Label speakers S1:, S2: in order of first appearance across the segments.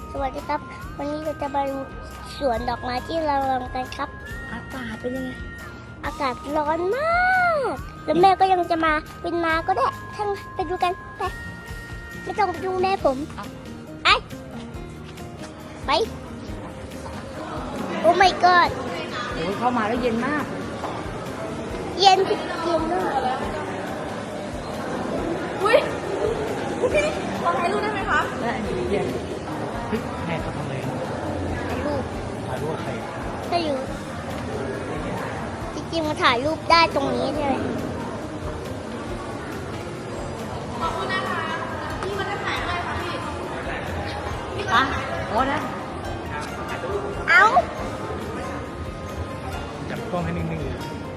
S1: สวัสดีครับวันนี้เราจะมาดูสวนดอกไม้ที่เราลำกันครับ
S2: อากาศเป็นยังไง
S1: อากาศร้อนมากแล้วแม่ก็ยังจะมาเป็นมาก็ได้ทั้งไปดูกันไปไม่ต้องไปดูแม่ผมไปโอ้ my god
S2: โอ้ยเข้ามาแล้วเย็นมาก
S1: เย็นมาก
S3: อุ้ยพี่ขอถ่ายรูปได้ไหมคะ
S2: ได้เย็น
S4: เฮ้ยแม่เขาทำอะไร
S1: ถ่ายรูป
S4: ถ่ายรูปใคร
S1: ก็อยู่จริงๆมาถ่ายรูปได้ตรงนี้ใช่ไหม
S3: ขอบคุณนะคะพี่มาถ่ายอะไรคะพี่
S2: อ่ะโอ้นะ
S1: เอ้า
S4: จับกล้องให้นิ่งๆเลย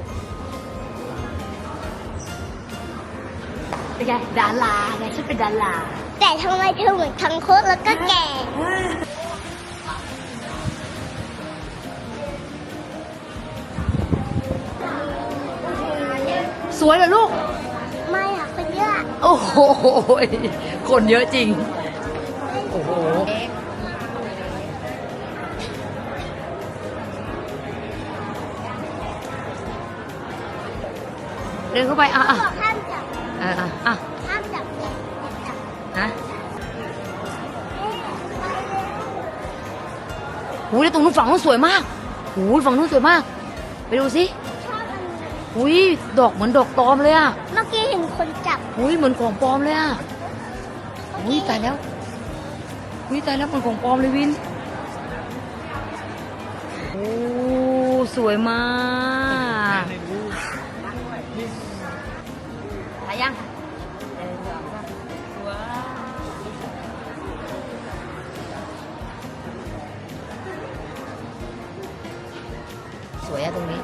S2: เป็นไงดาราไงฉันเป็นดารา
S1: แต่ทำไมเธอเหมือนคังคกแล้วก็แก่
S2: สวยเหรอลูก
S1: ไม่ค่ะคนเยอะ
S2: โอ้โหคนเยอะจริงโอ้โหเดินเข้าไป
S1: บอก
S2: อ่ะ
S1: ห้ามจับห้ามจับเลยจับ
S2: ฮะโอ้ยแล้วตรงนู้นฝั่งนู้นสวยมากโอ้ยฝั่งนู้นสวยมาก ไปดูสิ
S1: ชอบอันนี้
S2: อุ้ยดอกเหมือนดอกตอมเลยอ่ะ
S1: เมื่อกี้เห็นคนจับ
S2: อุ้ยเหมือนของปลอมเลยอ่ะอุ้ยตายแล้วอุ้ยตายแล้วเหมือนของปลอมเลยวินโอ้สวยมากถ่ายยังสวยอะตรงนี้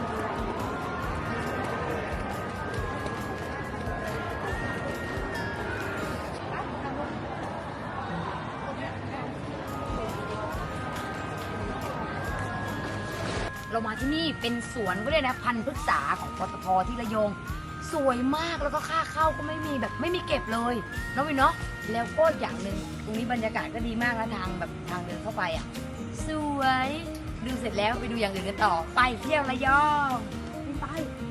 S2: เรามาที่นี่เป็นสวนก็เลยนะพันธุ์พฤกษาของปตทที่ระยองสวยมากแล้วก็ค่าเข้าก็ไม่มีแบบไม่มีเก็บเลยน้องวินเนาะแล้วก็อย่างหนึ่งตรงนี้บรรยากาศก็ดีมากนะทางแบบทางเดินเข้าไปอ่ะสวยดูเสร็จแล้วไปดูอย่างอื่นกันต่อไปเที่ยวระยองไป